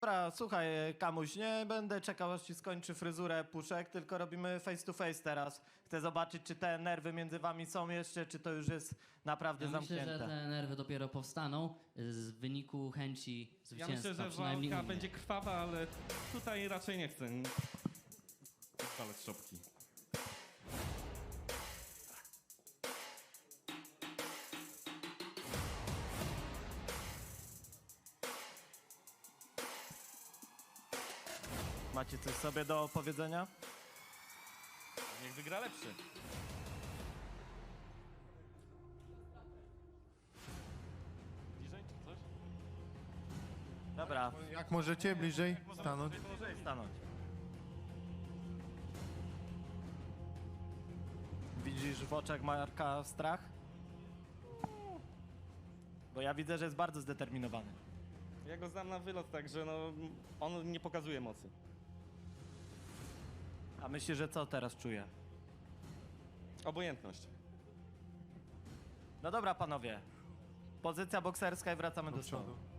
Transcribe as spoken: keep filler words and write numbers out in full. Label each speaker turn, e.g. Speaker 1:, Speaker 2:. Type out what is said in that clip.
Speaker 1: dobra, słuchaj, Kamuś, nie będę czekał, aż ci skończy fryzurę Puszek, tylko robimy face to face teraz. Chcę zobaczyć, czy te nerwy między wami są jeszcze, czy to już jest naprawdę
Speaker 2: Ja myślę,
Speaker 1: zamknięte.
Speaker 2: że te nerwy dopiero powstaną z wyniku chęci
Speaker 3: Ja
Speaker 2: zwycięstwa.
Speaker 3: myślę, że
Speaker 2: przynajmniej
Speaker 3: walka
Speaker 2: u mnie.
Speaker 3: będzie krwawa, ale tutaj raczej nie chcę spalać szopki.
Speaker 1: Macie coś sobie do powiedzenia?
Speaker 3: Niech wygra lepszy. Bliżej czy coś?
Speaker 1: Dobra,
Speaker 4: Jak możecie bliżej stanąć?
Speaker 1: może stanąć. Widzisz w oczach Marka strach? Bo ja widzę, że jest bardzo zdeterminowany.
Speaker 3: Ja go znam na wylot, także no, on nie pokazuje mocy.
Speaker 1: A myślisz, że co teraz czuje?
Speaker 3: Obojętność.
Speaker 1: No dobra, panowie. Pozycja bokserska i wracamy do,
Speaker 4: Do
Speaker 1: stołu.
Speaker 4: przodu.